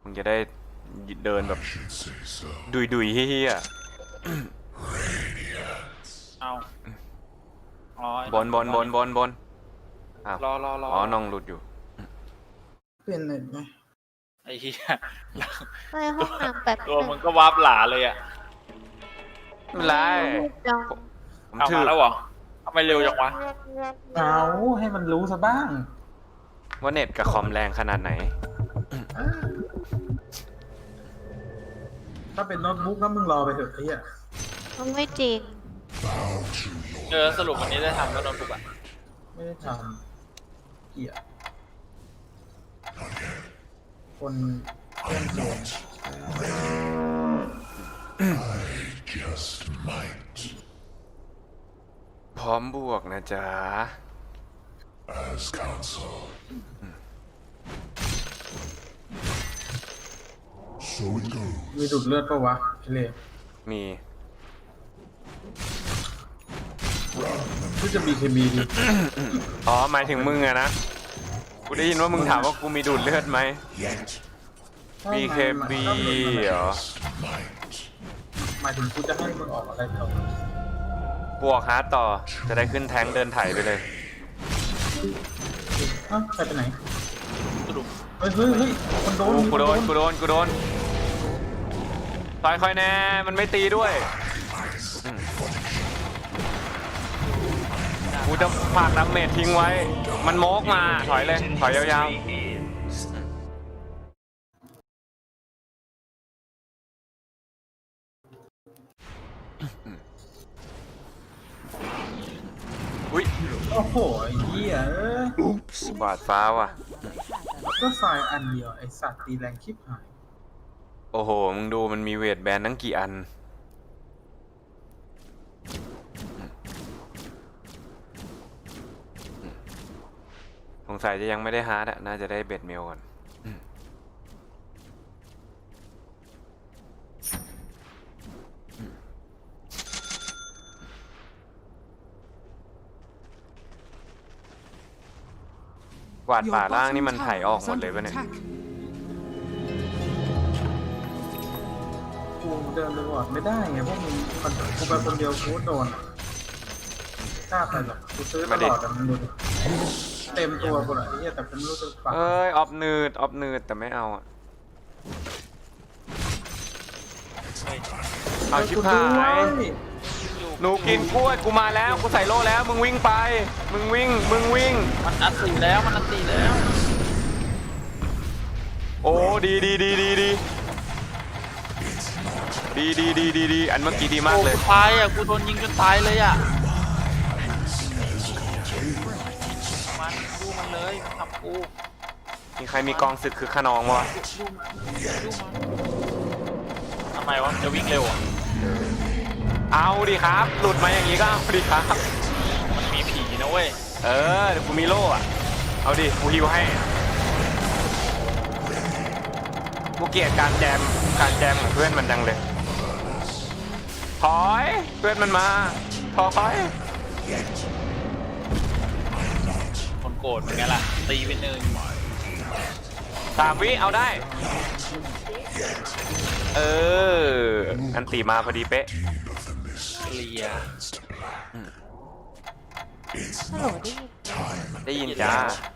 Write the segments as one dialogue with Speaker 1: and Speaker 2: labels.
Speaker 1: มึงจะได้เดินแบบดุยเฮี้ย
Speaker 2: เอาอ๋อบ
Speaker 1: นอ้าว
Speaker 2: รอ
Speaker 1: อ๋อน้องหลุดอยู่
Speaker 3: เปลี่ยนเน็ตไหม
Speaker 2: ไอ้เหี้ย
Speaker 4: ไปห้องน้ำแบบ
Speaker 2: ตัวมึงก็วาร์ปหลาเลยอ่ะ
Speaker 1: ไม่เป็นไร
Speaker 4: จัง
Speaker 1: ผม
Speaker 2: เอา
Speaker 1: ถื
Speaker 2: มา
Speaker 1: อ
Speaker 2: แล้วเหรอทำไมเร็วจังวะ
Speaker 3: เอาให้มันรู้ซะบ้าง
Speaker 1: ว่าเน็ตกับคอมแรงขนาดไหน
Speaker 3: ถ้าเป็นโน้ตบุ๊กก็มึงรอไปเถอะไอ้เหี้ย
Speaker 4: มันไม่จริง
Speaker 2: สรุปวันนี้ได้ทำแล้วโน้ตบุ๊กอ่ะ
Speaker 3: ไม่ได้ทำเกลียดคนเล่นเกม
Speaker 1: พร้อมบวกนะจ๊ะ
Speaker 5: As counsel. So it goes.
Speaker 3: มีดูดเลือดปะวะไอ้เล่
Speaker 1: มี
Speaker 3: ที่จะมีเคมีดี
Speaker 1: อ๋อหมายถึงมึงอะนะกูได้ยินว่ามึงถามว่ากูมีดูดเลือดไหม
Speaker 5: Yet
Speaker 1: BKB เหรอ
Speaker 5: might.
Speaker 3: หมายถึงกูจะให้มึงออกอะไรต่อบ
Speaker 1: วกฮาร์ดต่อจะได้ขึ้นแท้งเดินไถไปเลย
Speaker 3: อ้าวใครไปไหน
Speaker 2: สรุป
Speaker 3: เฮ้ยคนโดน
Speaker 1: กูโดนต่อยคอยแน่มันไม่ตีด้วยกูจะฝากดาเมจทิ้งไว้ มันโมกมาถอยเลยถอยยาวๆอุ้ย
Speaker 3: โอ้โหไอ้เหี้ยเอ้ย
Speaker 1: บาดฟ้าว่ะ
Speaker 3: ก็ไฟล์อันเดียวไอ้สัตว์ตีแรงชิบหาย
Speaker 1: โอ้โหมึงดูมันมีเวทแบนตั้งกี่อันสงสัยจะยังไม่ได้ฮาร์ดอะน่าจะได้เบ็ดเมลก่อนกวาดป่าล่างนี่มันไถออกหมดเลยปะเนี่ย
Speaker 3: กูเดินไปวอร์ดไม่ได้ไงพวกมึงกูไปคนเดียวกูโดนกล้าไปหรอกกูซื้อตลอดแต่มันดูดิเต็มตัวกูเลยไอ้เหี้ยแต่เป็นรู้สึกฝัก
Speaker 1: เอ้ยออฟนืดแต่ไม่เอาอะเอาชิบหายหนูกินกล้วยกูมาแล้วกูใส่โล่แล้วมึงวิ่งไปมึงวิ่ง
Speaker 2: มันอัดตีแล้ว
Speaker 1: โอ้ดีอันเมื่อกี้ดีมากเลย
Speaker 2: โอ้ตายอ่ะกูโดนยิงจนตายเลยอ่ะมันดูมันเลยมันทำกู
Speaker 1: มีใครมีกองศึกคือขนองวะ
Speaker 2: ทำไมวะมันจะวิ่งเร็วอ่ะ
Speaker 1: เอาดิครับ หลุดมาอย่างนี้ก็เอาดิครับ
Speaker 2: มันมีผีนะเว้ย
Speaker 1: เออเดี๋ยวกูมีโล่อะเอาดิกูฮิวให้กูเกลียดการแจมของเพื่อนมันจังเลยถอยเพื่อนมันมาถอย
Speaker 2: คนโกรธเหมือนกันล่ะตีไปหนึ่ง
Speaker 1: 3 วิเอาได้ เอออันตีมาพอดีเป๊ะ
Speaker 2: เคลียร์
Speaker 4: ฮัลโหลได้ยิน
Speaker 1: ได้ยินจ้า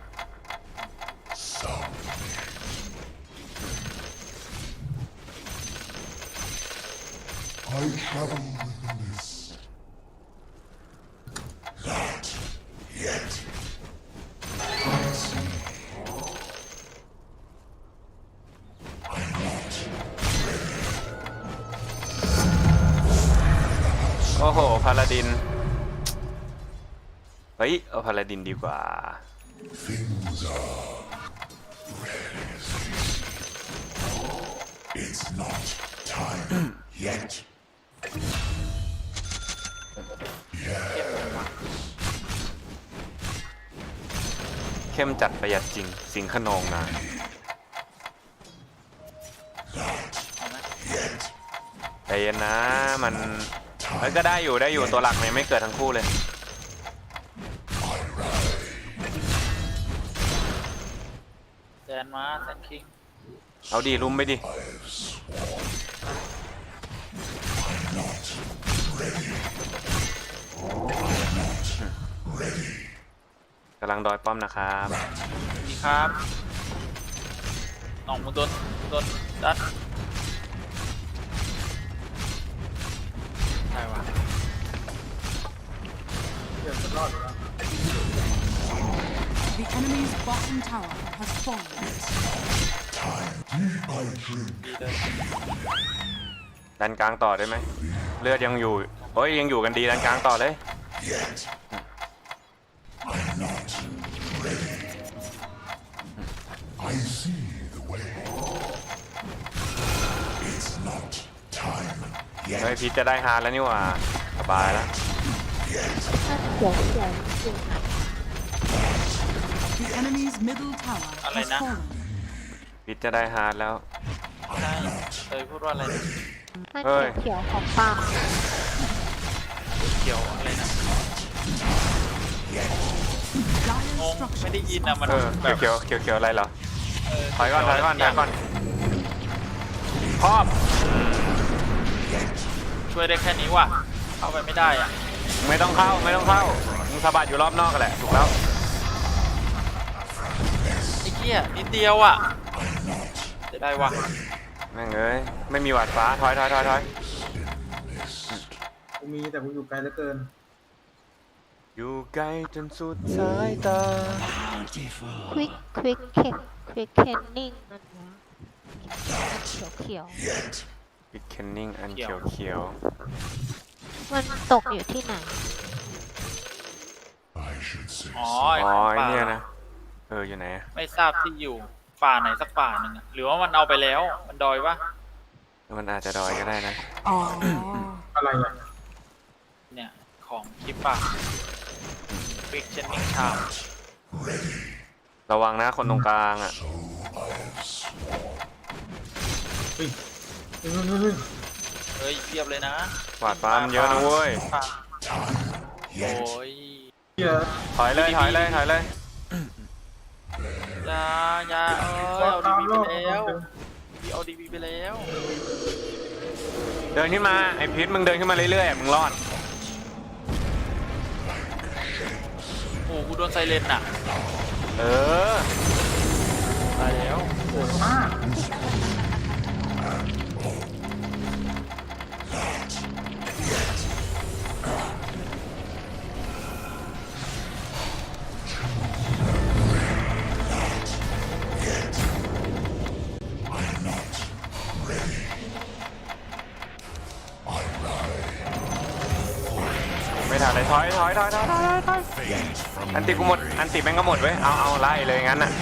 Speaker 5: I travel with the mist. Not yet.
Speaker 1: โอ้โหพาลาดินเฮ้ยเอาพาลาดินดีกว่า
Speaker 5: Things are ready. It's not time yet.
Speaker 1: เข้มจัดประหยัดจริงสิงขนองนะ
Speaker 5: Yet.
Speaker 1: ใจเย็นนะมันเฮ้ยก็ได้อยู่ตัวหลักเนี่ยไม่เกิดทั้งคู่เลย
Speaker 2: แซนมาแซนคิง
Speaker 1: เอาดิลุมไปดิ กำลังดอยป้อมนะครับ
Speaker 2: ดีครับน้องมึงโดนดัดใช่วะ
Speaker 3: เดี๋ยวจะรอดอยู่แล้ว
Speaker 6: The enemy's bottom tower has fallen.
Speaker 5: I drink
Speaker 2: ดีเลย
Speaker 1: ดันกลางต่อได้ไหมเลือดยังอยู่โอ้ยยังอยู่กันดีดันกลางต่อเลย
Speaker 5: yet. I'm not ready. I see the way. It's not time
Speaker 1: เฮ้ย
Speaker 5: yet.
Speaker 1: พีทจะได้ฮาร์ดแล้วนี่หว่าสบายแล้ว
Speaker 5: Yet.
Speaker 6: The enemy's middle tower has fallen.
Speaker 1: พีทจะได้ฮาร์ดแล้ว
Speaker 2: ใช่พูดว่าอะไรนะ
Speaker 4: ถ้า
Speaker 1: เฮ้ย
Speaker 4: เขียวๆของป้า
Speaker 2: เกี่ยวอะไรนะ
Speaker 6: Dire
Speaker 2: งง
Speaker 6: structure.
Speaker 2: ไม่ได้ยินนะมัน
Speaker 1: เออ
Speaker 2: แบบ
Speaker 1: เขียวเขียวอะไรเหรอ
Speaker 2: เ
Speaker 1: ถอยก่อนถอยก่อนถอยก่อนครอบ
Speaker 2: ช่วยได้แค่นี้ว่ะเข้าไปไม่ได้อ่ะ
Speaker 1: ไม่ต้องเข้าไม่ต้องเข้ามึงสะบัดอยู่รอบนอกกันแหละถูกแล้ว
Speaker 2: ไอ้เหี้ยนิดเดียวอ่ะจะได้ว่ะ
Speaker 1: แม่งเอ้ยไม่มีหวัดฟ้าถอย
Speaker 3: กูมีแต่กูอยู่ไกลเหลือเกิน
Speaker 1: อยู่ไกลจนสุดสายตา
Speaker 4: ควิกเคนนิ่งมันวะเขียว
Speaker 5: Yet.
Speaker 1: บิกเคนนิ่งอันเขียว
Speaker 4: ๆมันตกอยู่ที่ไหน
Speaker 5: I should say
Speaker 2: อ๋อ
Speaker 1: ๆ
Speaker 2: ไอ้
Speaker 1: อ๋อ
Speaker 2: ของ
Speaker 1: ไอ้
Speaker 2: ป่า
Speaker 1: เนี่ยนะอยู่ไหนอะ
Speaker 2: ไม่ทราบที่อยู่ป่าไหนสักป่าหนึ่งอะหรือว่ามันเอาไปแล้วมันดอยวะ
Speaker 1: มันอาจจะดอยก็ได้นะ
Speaker 6: อ๋อ
Speaker 3: อะไรอ่ะ
Speaker 2: เนี่ยของคลิปป่าวิกเชนนิ่งชาม
Speaker 1: ระวังนะคนตรงกลางอ่ะ
Speaker 3: เฮ้ย
Speaker 2: เฮ้ยเทียบเลยนะ
Speaker 1: หวาดฟ้ามันเยอะนะเว้ย
Speaker 2: ป่า
Speaker 5: yet.
Speaker 2: โอ้ย
Speaker 3: เฮีย
Speaker 1: ถอยเลย
Speaker 2: อยาเอาดีบีไปแล้วพี่เอาดีบีไปแล้ว
Speaker 1: เดินขึ้นมาไอ้พีทมึงเดินขึ้นมาเรื่อยๆมึงรอด
Speaker 2: โอ้กูโดนไซเรนน่ะ
Speaker 1: เออ
Speaker 2: ตายแล้ว
Speaker 3: โหดมาก
Speaker 1: ไม่ทันเลยถอยอันติกูหมดอันติแม่งก็หมดเว้ยเอาไล่เลยงั้นน่ะ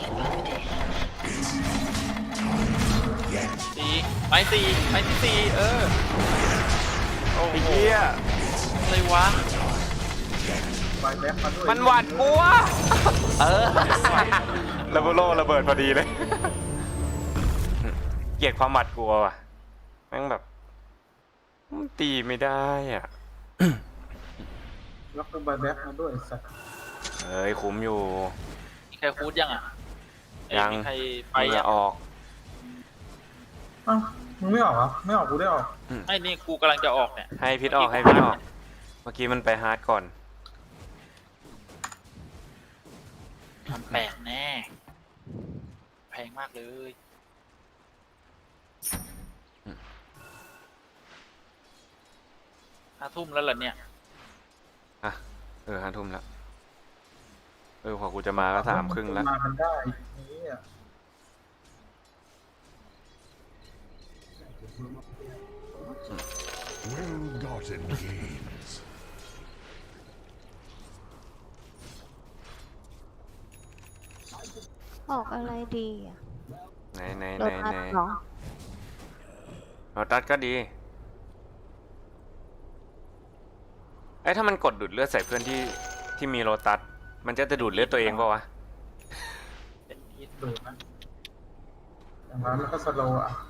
Speaker 2: ไม้ที่สี่โอ้
Speaker 1: ไอ้
Speaker 2: โห
Speaker 1: เหี้ย
Speaker 2: อะไรวะ
Speaker 3: ไปแบ็คมาด้วย
Speaker 1: มันหวาดกลัวระเบิดระเบิดพอดีเลยเกลียดความหวาดกลัวว่ะแม่งแบบมันตีไม่ได้อ่ะ
Speaker 3: แล้วก็ไปแบ็คมาด้วยสัตว์
Speaker 1: เอ้ยคุ้มอยู่
Speaker 2: มีใครคูดยังอ่ะเอ้
Speaker 1: ยัง
Speaker 2: มีใครไป
Speaker 1: มึง
Speaker 2: อ่ะ
Speaker 1: อะออก
Speaker 3: อ้าวมึงไม่ออกเหรอไม่ออกกูได้ออก
Speaker 2: ไอ้นี่กูกำลังจะออกเนี่ย
Speaker 1: ให้พิษออกเมื่อกี้มันไปฮาร์ดก่อน
Speaker 2: มันแปลกแน่แพงมากเลย5 ทุ่มแล้วเหรอเนี่ย
Speaker 1: อ่ะ5 ทุ่มแล้วพอกูจะมาก็3:30แล้ว
Speaker 3: มากันได้นี่อ่ะ
Speaker 5: well-gotten gains.
Speaker 4: ออกอะไรดีอ่ะ
Speaker 1: ไหน
Speaker 4: โดนอัดเหรอ
Speaker 1: โรตัสก็ดีถ้ามันกดดูดเลือดใส่เพื่อนที่มีโรตัสมันจะดูดเลือดตัวเองป่าวะ
Speaker 2: เป็นที่
Speaker 3: ดูนะอย่างนั้นมันก็สโลว์อ่ะ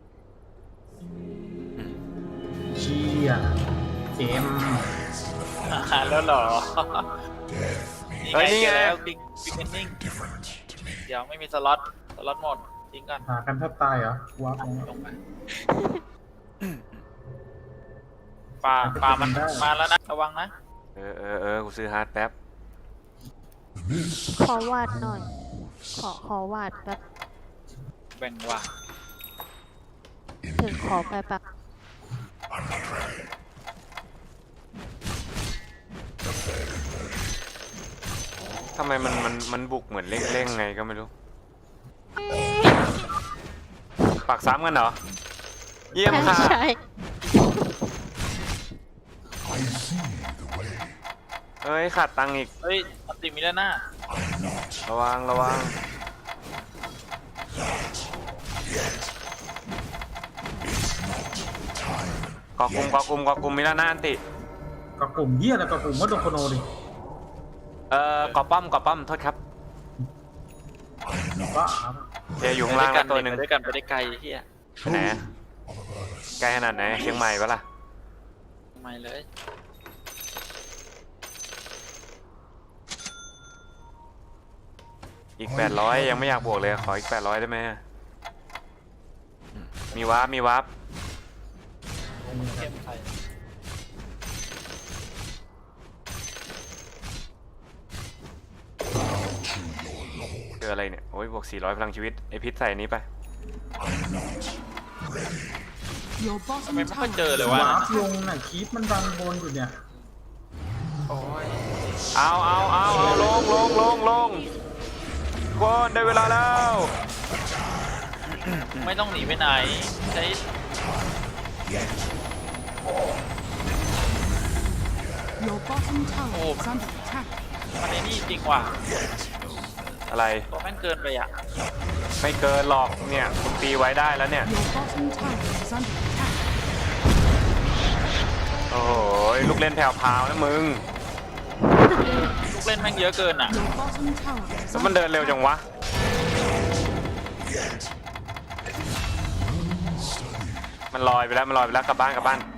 Speaker 3: เชี่ยเกม
Speaker 2: แล้วเหรอ
Speaker 5: Death means
Speaker 1: เฮ้ยนี่ไง
Speaker 2: แล้วบิ๊กเอนนิ่ง
Speaker 5: different to me.
Speaker 2: เดี๋ยวไม่มีสล็อตหมดทิ้งก่อน
Speaker 3: หากันแทบตายเหรอว้าบ
Speaker 2: ลงไปปลามันมาแล้วนะระวังนะ
Speaker 1: กูซื้อฮาร์ดแป๊บ
Speaker 5: The mist
Speaker 4: ขอวาดหน่อย ขอวาดแบบ
Speaker 2: แบ่งว่า
Speaker 4: ถึงขอไปปัก
Speaker 5: I'm not ready.
Speaker 1: ทำไมมันบุกเหมือนเร่งๆไงก็ไม่รู้ ปักซ้ำกันเหรอ เยี่ยมค่ะ
Speaker 4: ใช่
Speaker 5: I see the way.
Speaker 1: เฮ้ยขาดตังค์อีก
Speaker 2: เฮ้ยอันติมีแล้วหน้า
Speaker 5: I'm not
Speaker 1: ระวังระวัง
Speaker 5: yet. It's not time.
Speaker 1: กอกุมมีแล้วนะอันติ
Speaker 3: กับกลุ่มเหี้ยอะไรกับกลุ่มวัดดงโคโนดิ
Speaker 1: กอป้อมโทษครับ
Speaker 3: บ้า
Speaker 1: เจอยู่ข้างล่างแล้วตัวหนึ่ง
Speaker 2: ไปด้วยกันไปได้ไกลเฮีย
Speaker 1: ไปไหนอะไกลขนาดไหนเชียงใหม่ปะล่ะ
Speaker 2: ทำไมเลย
Speaker 1: อีก 800 ยังไม่อยากบวกเลย ขออีก 800 ได้ไหมมีวาร์ป
Speaker 2: เข้มไทย
Speaker 1: เจออะไรเนี่ย โอ้ยบวก 400 พลังชีวิต ไอพิษใส่อันนี้ไป
Speaker 6: Your
Speaker 2: ทำไม
Speaker 6: bottom
Speaker 2: ไม่ค่อยเจอ
Speaker 6: tower
Speaker 2: เลย
Speaker 6: is
Speaker 2: วะ
Speaker 3: วาร์ปลงน่ะคีปมันดังบนอยู่เนี่ย
Speaker 2: โอ้ย
Speaker 1: เอาลงกวนได้เวลาแล้ว
Speaker 2: ไม่ต้องหนีไปไหนใช้
Speaker 6: Your bottom tower is under attack.
Speaker 2: มันในนี่จริงว่ะ
Speaker 1: อะไร
Speaker 2: ตัวแม่งเกินไปอ่ะ
Speaker 1: ไม่เกินหรอกเนี่ยคุณตีไว้ได้แล้วเนี่ย
Speaker 6: Your bottom tower is under attack.
Speaker 1: โอ้โหลูกเล่นแผ่วพราวนะมึง
Speaker 2: ลูกเล่นแม่งเยอะเกินอ่ะ
Speaker 6: Your bottom tower is
Speaker 1: แล้วมัน
Speaker 6: under
Speaker 1: เดินเร็วจังวะ มันลอยไปแล้วกลับบ้าน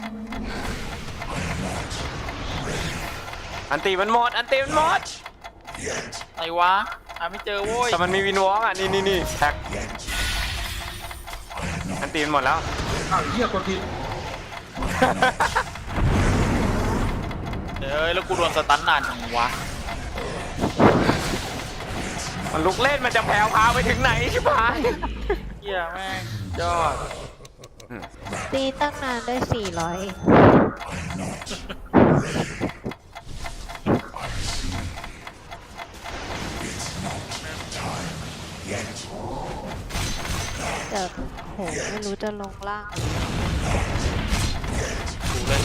Speaker 1: อันตีมันหมด
Speaker 2: อะไรวะหาไม่เจอโว้ย
Speaker 1: แต่มันมีวินวอล์กอ่ะ นี่แท็กอันตีมันหมดแล้ว
Speaker 3: อ้าวเหี้ยกดผิด
Speaker 2: เอ้ยแล้วกูโดนสตันนานจังวะ
Speaker 1: มันลุกเล่นมันจะแผ่วพราวไปถึงไหนชิบหาย
Speaker 2: เฮียแม่งยอด
Speaker 4: ตีตั้งนานได้ 400 แต่โหไม่รู้จะลงล่าง
Speaker 2: ดูเลย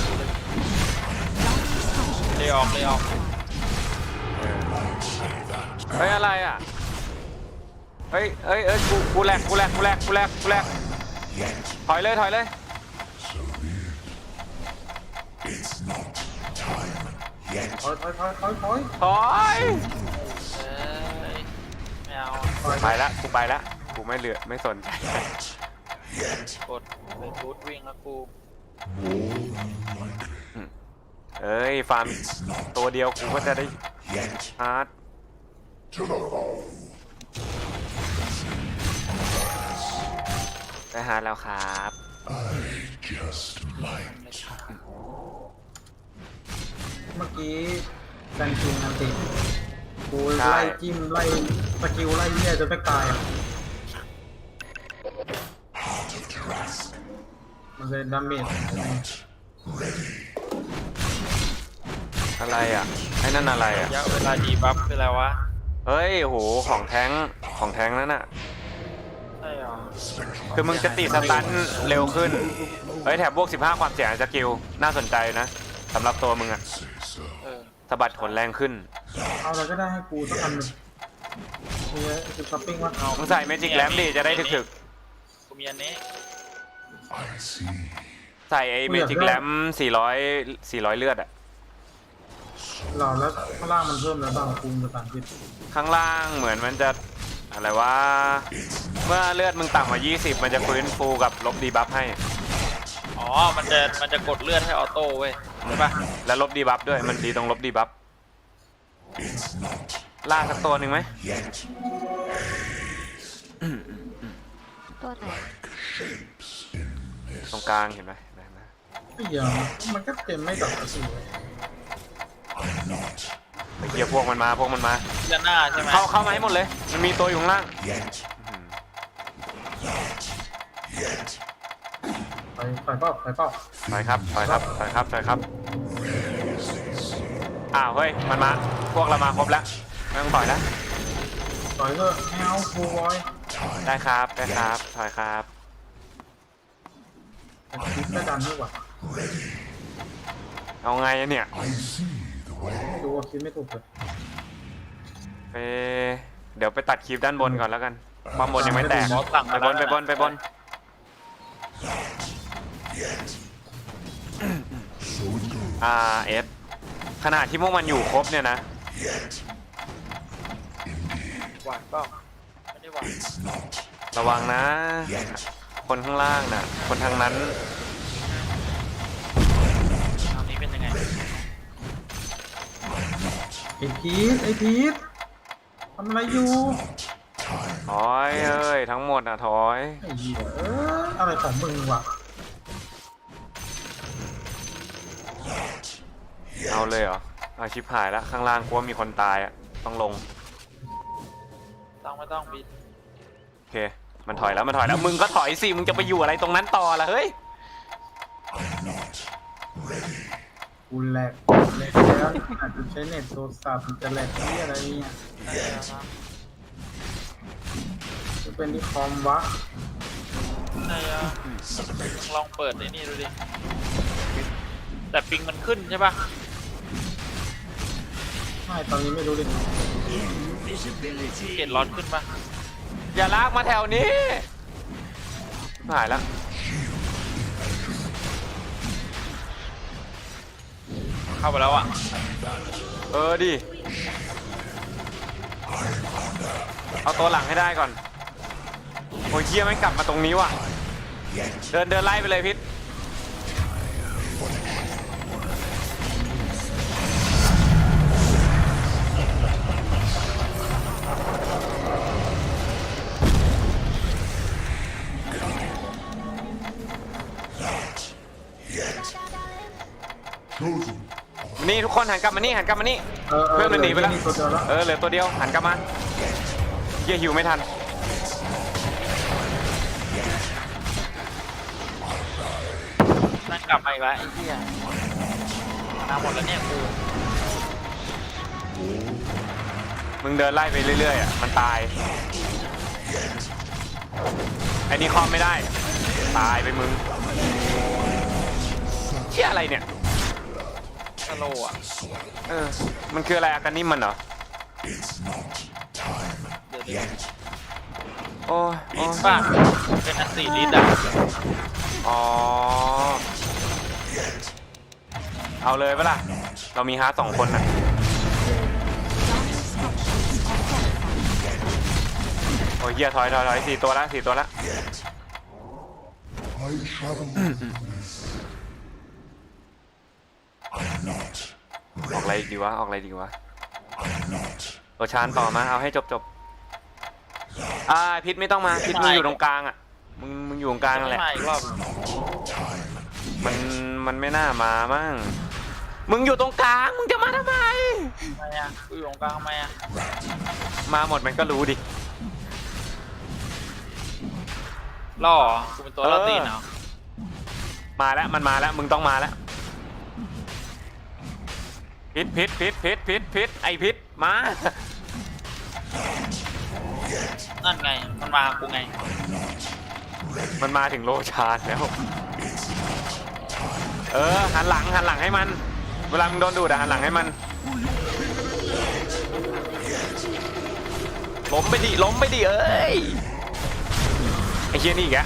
Speaker 2: เลยออก
Speaker 1: เฮ้ยอะไรอ่ะ เฮ้ยกูแหลกถอยเลย
Speaker 5: It's not time yet.
Speaker 3: ถอย
Speaker 1: ถอย
Speaker 2: เอ้ยไม่เอา
Speaker 1: ไปละกูไม่สนใจ
Speaker 5: Yet.
Speaker 2: กดไปบูทวิ่งแล้วกู
Speaker 1: เอ้ยฟาร์มตัวเดียวกูก็จะได้
Speaker 5: Yet.
Speaker 1: ฮาร์ด
Speaker 5: To the foe.
Speaker 1: ได้ฮาร์ดแล้วครับ
Speaker 5: I just might.
Speaker 3: เมื่อกี้กันจริงอันติกูไล่จิ้มไล่สกิลไล่เหี้ยจนไปตายอ่ะ
Speaker 5: Heart of Taras.
Speaker 3: มันเลยดาเมจ
Speaker 5: Ready.
Speaker 1: อะไรอ่ะไอ้นั่นอะไรอ่ะ
Speaker 2: ระยะเวลาดีบัฟคืออะไรวะ
Speaker 1: เฮ้ยโหของแท้งนั่นน่ะ
Speaker 2: ใช่หรอ
Speaker 1: คือมึงจะตีสตันเร็วขึ้น เฮ้ยแถบบวก 15 ความเสี่ยงสกิลน่าสนใจนะสำหรับตัวมึงอ่ะ
Speaker 5: Say so.
Speaker 2: เออ
Speaker 1: สะบัดขนแรงขึ้น
Speaker 3: เอาอะไรก็ได้ให้กูสักอันหนึ่งเนี่ยคือช้อปปิ้งว่าเอา
Speaker 1: มึงใส่เมจิกแลมดิจะได้ถึก
Speaker 2: กูมีอันนี้
Speaker 5: I see.
Speaker 1: ๆใส่ไอ้เมจิกแลม400เลือดอ่ะ
Speaker 3: หล่อแล้วข้างล่างมันเพิ่มแล้วบ้างกูภาษาอังกฤษ
Speaker 1: ข้างล่างเหมือนมันจะอะไรวะเมื่อเลือดมึงต่ำกว่า20มันจะฟื้นฟูกับลบดีบัฟให้
Speaker 2: อ๋อ มันจะกดเลือดให้ออโต้เว้ยใช่ปะ
Speaker 1: แล้วลบดีบัฟด้วยมันดีตรงลบดีบัฟ
Speaker 5: It's not
Speaker 1: ล่าสักตัวหนึ่งไหม
Speaker 5: yet.
Speaker 4: ตัวไหน
Speaker 5: shapes in
Speaker 1: ตรงกลางเห็นไหมเห็นไหม
Speaker 3: ไอ้เหี้ยมันก็เต็มไม่ดอกกระสุนเลย
Speaker 5: not
Speaker 1: ไอ้เหี้ยพวกมันมา
Speaker 2: ด้านหน้าใช่ไหม
Speaker 1: เข้ามาให้หมดเลย มันมีตัวอยู่ข้างล่าง
Speaker 5: yet. Not yet.
Speaker 3: ไปเป้า
Speaker 1: ถอยครับอ้าวเฮ้ยมันมาพวกเรามาครบแล้วไม่ต้องถอยแล้ว
Speaker 3: ต่อยเถอะไม่เอาฟูบอย
Speaker 1: ได้ครับถอยครับ
Speaker 3: แต่คิดไม่ดันไม่หว่า
Speaker 1: เอาไงอะเนี่ย
Speaker 5: I see the way.
Speaker 3: ไม่รู้ว่าคิดไม่ถูกเลย
Speaker 1: เดี๋ยวไปตัดคลิปด้านบนก่อนแล้วกันความบนยังไม่แตก
Speaker 2: บอสสั่ง
Speaker 1: ไปบน
Speaker 5: Yet. So it goes.
Speaker 1: RS ขนาดที่พวกมันอยู่ครบเนี่ยนะ
Speaker 5: Yet.
Speaker 2: หวานเปล่าไม่ได้หวาน
Speaker 5: It's not
Speaker 1: ระวังนะ
Speaker 5: yet.
Speaker 1: คนข้างล่างน่ะ คนทางนั้น
Speaker 2: ทางนี้เป็นยังไง
Speaker 3: ไอ้พีททำอะไรอยู่
Speaker 1: ถอยเอ้ยทั้งหมดอ่ะถอย
Speaker 3: ไอ้เหี้ยอะไรของมึงวะ
Speaker 1: เอาเลยเหรอเอาชิบหายแล้วข้างล่างกลัวมีคนตายอ่ะต้องลง
Speaker 2: ไม่ต้องบิน
Speaker 1: โอเคมันถอยแล้วมึงก็ถอยสิมึงจะไปอยู่อะไรตรงนั้นต่อล่ะเฮ้ย
Speaker 5: Not ready.
Speaker 3: กูแหลกแล้วอาจจะใช้เน็ตโทรศัพท์มันจะแหลกที่อะไรเนี่ย
Speaker 2: ได้แล้วนะ
Speaker 3: จะเป็นที่คอมวะ
Speaker 2: ใช่อะลองเปิดไอ้นี่ดูดิแต่ปิงมันขึ้นใช่ปะ
Speaker 3: ไม่ตอนนี้ไม่รู้เลย
Speaker 2: เกตร้อนขึ้นปะ
Speaker 1: อย่าลากมาแถวนี้หายแล้ว
Speaker 2: เข้าไปแล้วอ่ะ
Speaker 1: ดิเอาตัวหลังให้ได้ก่อนโอ้ยเฮียไม่งกลับมาตรงนี้ว่ะเดินไล่ไปเลยพิษนี่ทุกคนหันกลับมานี่ เพื่อนมันหนีไปแล้ว
Speaker 3: ตัวเดียวแล้ว
Speaker 1: เหลือตัวเดียวหันกลับมาเหี้ยหิวไม่ทัน
Speaker 2: นั่งกลับมาอีกแล้วไอ้เหี้ยมาหมดแล้วเนี่ยกู
Speaker 1: มึงเดินไล่ไปเรื่อยๆอ่ะมันตายไอ้นี่คอมไม่ได้ตายไปมึงเหี้ยอะไรเนี่ย
Speaker 2: สโลว์อ่ะ
Speaker 1: มันคืออะไรอาการนิ่มมันเหรอ
Speaker 2: เดี๋ยว
Speaker 1: โอ้ย
Speaker 2: ลิตรป่ะเป็นอัน4 ลิตรอ่ะ
Speaker 1: อ๋อเอาเลยปะล่ะเรามีฮาร์ด2 คนน่ะโอ้ยเหี้ยถอย4 ตัวละ
Speaker 5: I travel. I'm not
Speaker 1: ออกอะไรดีวะ
Speaker 5: not
Speaker 1: โอชานต่อมาเอาให้จบพิษไม่ต้องมาพิษมึงอยู่ตรงกลางอ่ะมึงอยู่ตรงกลางนั่นแหละ
Speaker 2: มาอีกรอบ
Speaker 1: มันไม่น่ามามั่งมึงอยู่ตรงกลางมึงจะมาทำไม
Speaker 2: ทำไมอ่ะกูอยู่ตรงกลางทำไมอ่ะ
Speaker 1: มาหมดมันก็รู้ดิ
Speaker 2: ล่อเหรอกูเป็นตัวล่อตีนเหรอ
Speaker 1: มาแล้วมันมาแล้วมึงต้องมาแล้วพิษไอพิษมา
Speaker 2: นั่นไงมันมากูไง
Speaker 1: มันมาถึงโลชานแล้วหันหลังให้มันเวลามึงโดนดูดหันหลังให้มันล้มไปดิเอ้ยไอเชี่ยนี่อีกแก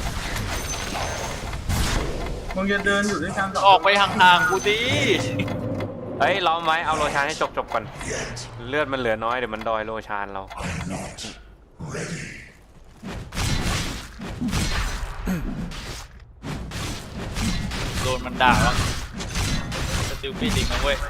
Speaker 3: มึงจะเดินอยู่ด้วยกัน
Speaker 2: ออกไปห่างๆกูดิ
Speaker 1: เฮ้ยล้อมไว้เอาโลชานให้จบก่อนเลือดมันเหลือน้อยเดี๋ยวมันดอยโลชานเรา
Speaker 2: โดนมันด่าว่าสติลปีดิงนะเว้ย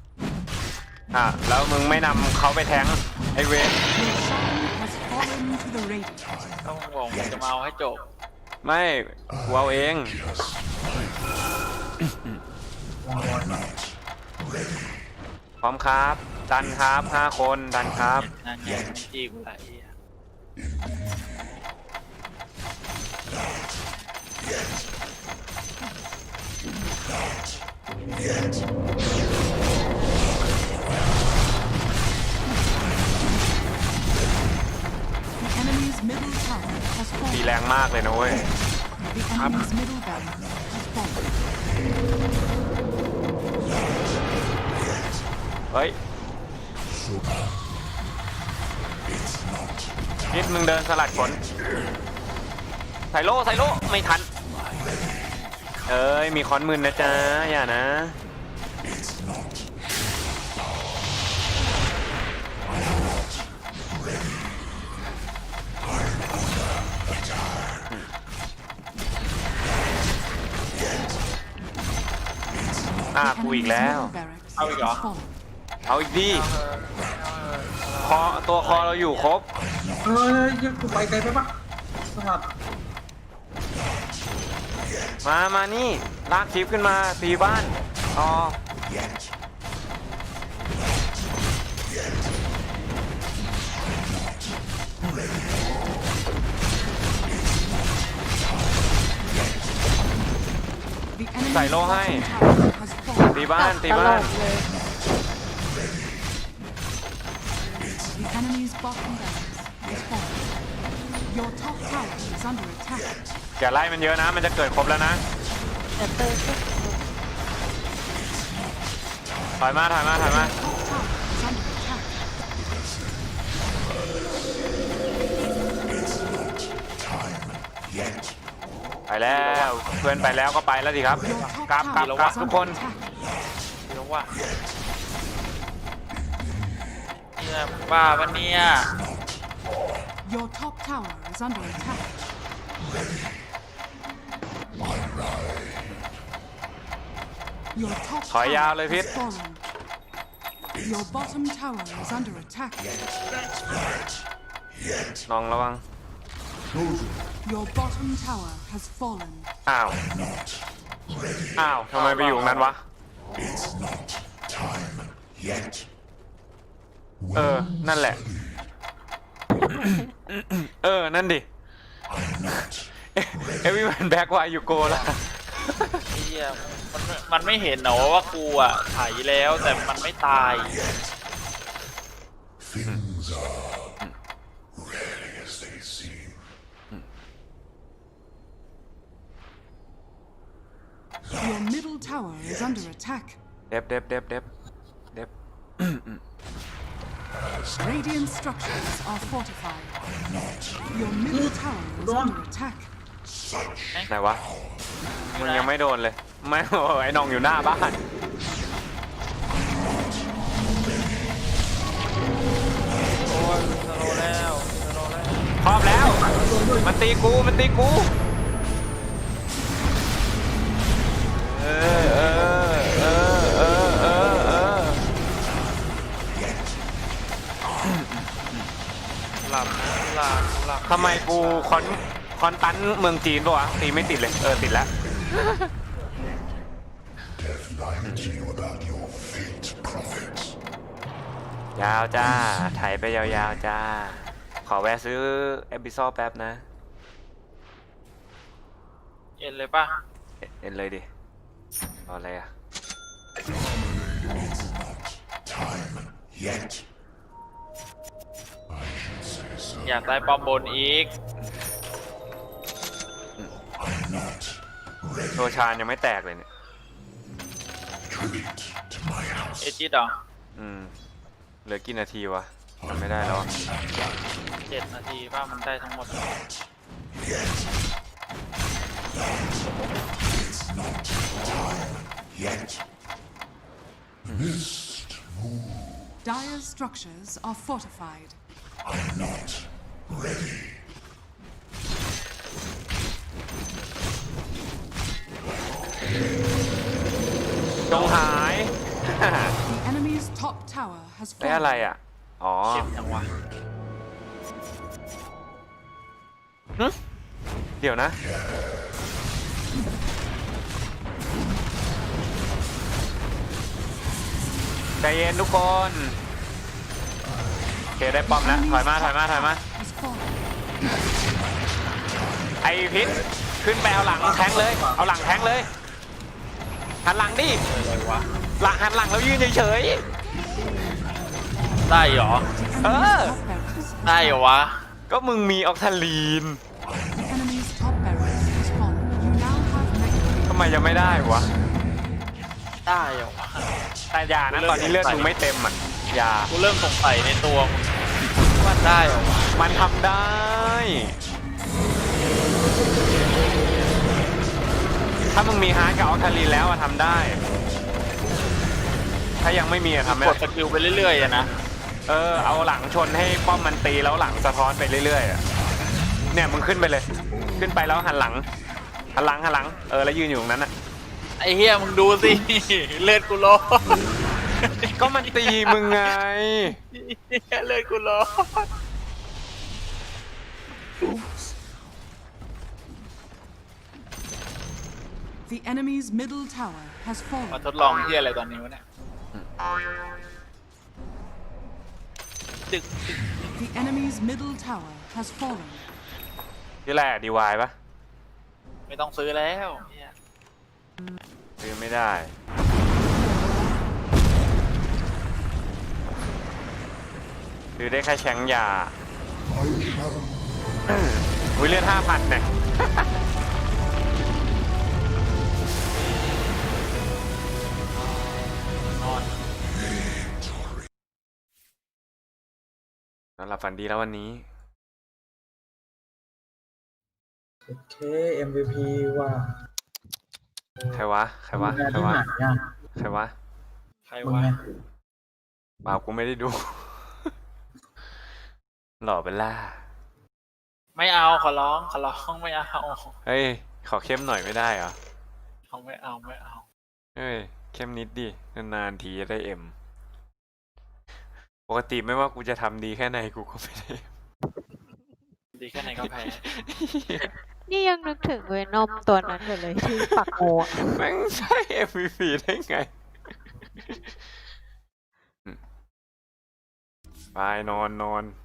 Speaker 1: แล้วมึงไม่นำเขาไปแทงไอเวน
Speaker 6: Your shrine has fallen to the radiant.
Speaker 2: ต้องบอกมึงจะมาเอาให้จบ
Speaker 1: ไม่กูเอาเอง พร้อมครับ ดันครับ5 คนดันครับ
Speaker 2: นั่นไงมันจี้กูละไอ้เหี้ย
Speaker 6: The enemy's middle tower has
Speaker 1: ตี
Speaker 6: fallen.
Speaker 1: แรงมากเลยนะเว้ย
Speaker 6: The enemy's middle barracks has fallen.
Speaker 1: เฮ้ยนิดมึงเดินสลัดขนใส่โล่ไม่ทัน เอ้ยมีค้อนมืนนะจ๊ะอย่านะ กูอีก
Speaker 6: Enemy's
Speaker 1: แล้ว
Speaker 6: middle barracks
Speaker 2: How we go?
Speaker 6: has fallen.
Speaker 1: เอาอีกดิคอตัวคอเราอยู่ครบ
Speaker 3: เฮ้ยยังกูไปไกลไปปะสลัด
Speaker 1: มานี่ลากคลิปขึ้นมาตีบ้านอ๋อ
Speaker 6: The enemy's
Speaker 1: ใส่โล่ให้
Speaker 6: bottom tower has fallen.
Speaker 1: ตีบ้าน
Speaker 4: ตลอดเลย
Speaker 6: The enemy's bottom barracks has fallen. Your top tower is under attack.
Speaker 1: อย่าไล่มันเยอะนะ มันจะเกิดครบแล้วนะ
Speaker 4: เดี๋ยวเติมก็
Speaker 1: ถอยมา
Speaker 6: Top tower is under attack.
Speaker 1: ไปแล้วเพื่อนไปแล้วก็ไปแล้วสิครับ
Speaker 6: Your top
Speaker 1: กลับ
Speaker 6: tower is
Speaker 1: ทุก
Speaker 6: under
Speaker 1: คน
Speaker 6: attack.
Speaker 2: เดี๋ยวว่าเนี่ยบ้าปะเนี่ย
Speaker 6: Your top tower is under attack. Your top
Speaker 1: ถอยยาวเลย
Speaker 6: tower
Speaker 1: พิษ
Speaker 6: has fallen. Your bottom tower is under attack.
Speaker 1: น้องระวัง
Speaker 6: Your bottom tower has fallen.
Speaker 1: อ้าวทำไมไปอยู่ตรงนั้นวะ นั่นแหละ นั่นดิ everyone back why you go ล่ะ
Speaker 2: ไอ้เหี้ยมันไม่เห็นเหรอว่ากูอ่ะไถแล้วแต่มันไม่ตาย
Speaker 5: Things are rarely as they seem.
Speaker 6: Your middle tower is under attack.
Speaker 1: เด็บ
Speaker 6: Radiant structures are fortified. Your middle tower is under attack.
Speaker 1: ไหนวะ มึงยังไม่โดนเลย ไม่ ไอ้น้องอยู่หน้าบ้าน
Speaker 2: โอ้ยสโลว์แล้วสโลว์แล้ว
Speaker 1: พร้อมแล้ว มันตีกู
Speaker 2: หลับนะหลับ
Speaker 1: ทำไมกูคอนตันเมืองจีนปะวะ ตีไม่ติดเลย ติดแล้ว
Speaker 5: Death lied to you about your fate, prophet.
Speaker 1: ยาวจ้า ไถไปยาวๆจ้า ขอแวะซื้อเอพิโซดแป๊บนะ
Speaker 2: เอ็นเลยป่ะ
Speaker 1: เอ็นเลยดิรออะไรอ่ะ
Speaker 5: Time yet. I should say so.
Speaker 2: อยากได้ปอมบนอีก
Speaker 5: I'm not
Speaker 1: โรชานยังไม่แตกเลยเนี่ย
Speaker 5: tribute to my house.
Speaker 2: เอจิตเหรอ
Speaker 1: เหลือกี่นาทีวะจำไม่ได้แล้ว
Speaker 2: 7 นาทีป่ะมันได้ทั้งหมด
Speaker 5: Yet. Mist.
Speaker 6: Dire structures are fortified.
Speaker 5: I'm not ready.
Speaker 1: จงหาย
Speaker 6: The enemy's top tower has
Speaker 1: ได้อะไร
Speaker 6: fallen.
Speaker 1: อ่ะ อ๋อ
Speaker 2: เจ็บจังวะ
Speaker 1: เดี๋ยวนะ ใจเย็นทุกคน โอเคได้ป้อมแล้ว ถอยมาถอยมาถอยมา
Speaker 6: Has fallen.
Speaker 1: ไอพิษขึ้นไปเอาหลังแทงเลย เอาหลังแทงเลย หันหลังดิ
Speaker 2: อะไรวะ
Speaker 1: หลังหันหลังแล้วยืนเฉย
Speaker 2: ได้เหรอ
Speaker 6: The enemy's
Speaker 1: Ah.
Speaker 6: top barracks.
Speaker 2: ได้เหรอวะ
Speaker 1: ๆ ก็มึงมีออกทาลีน
Speaker 6: The enemy's top barracks has fallen. You now have mega.
Speaker 1: ทำไมยังไม่ได้วะ
Speaker 2: ได้เหรอวะ
Speaker 1: แต่อย่านะตอนนี้เลือดมึงไม่เต็มอ่ะ อย่า
Speaker 2: กูเริ่มสงสัยในตัวมึงว่าได้เหรอวะ
Speaker 1: มันทำได้ ถ้ามึงมีฮาร์ดกับออกทาลีนแล้วอะทำได้ ถ้ายังไม่มีอะทำไม่
Speaker 2: ก
Speaker 1: ได้
Speaker 2: ดสกิลไปเรื่อยๆอะนะ
Speaker 1: เอาหลังชนให้ป้อมมันตีแล้วหลังสะท้อนไปเรื่อยๆอะเนี่ยมึงขึ้นไปเลย ขึ้นไปแล้วหันหลัง หันหลังหันหลัง แล้วยืนอยู่ตรงนั้นอะ
Speaker 2: ไอ้เฮียมึงดูสิ เลือดกูร้อน
Speaker 1: ก็มันตีมึงไง
Speaker 2: เลือดกูร้อน
Speaker 6: The enemy's middle tower has
Speaker 2: มา
Speaker 6: fallen.
Speaker 2: ทดลองเฮียอะไรตอนนี้วะเนี่ยดึก
Speaker 6: The enemy's middle tower has fallen.
Speaker 1: นี่แหละดีวายปะ
Speaker 2: ไม่ต้องซื้อแล้วเหี้ย
Speaker 1: ซื้อไม่ได้ซื้อได้แค่แชงยาอุ้ยเลือด5,000เนี่ย
Speaker 2: นอน
Speaker 1: นอนหลับฝันดีแล้ววันนี้
Speaker 3: เค MVP ว่า
Speaker 1: ใครวะ ใครวะ
Speaker 3: งาน
Speaker 1: ใคร
Speaker 3: ที่
Speaker 1: วะ
Speaker 3: ไหนอ่ะ
Speaker 1: ใครวะ
Speaker 2: ใคร
Speaker 3: มึง
Speaker 2: วะ
Speaker 3: ไง
Speaker 1: เปล่ากูไม่ได้ดู หล่อเป็นล่า
Speaker 2: ไม่เอาขอร้องไม่เอา
Speaker 1: เฮ้ย ขอเข้มหน่อยไม่ได้เหรอ
Speaker 2: เขาไม่เอาไม่เอา
Speaker 1: เฮ้ย เข้มนิดดิ นานๆทีจะได้เอ็ม ปกติไม่ว่ากูจะทำดีแค่ไหนกูก็ไม่ได้
Speaker 2: ดีแค่ไหนก็แพ้
Speaker 4: นี่ยังนึกถึงเวนอมตัวนั้นอยู่เลยที่ปักโมอะ
Speaker 1: แม่งใช่ MVP ได้ไง ไปนอน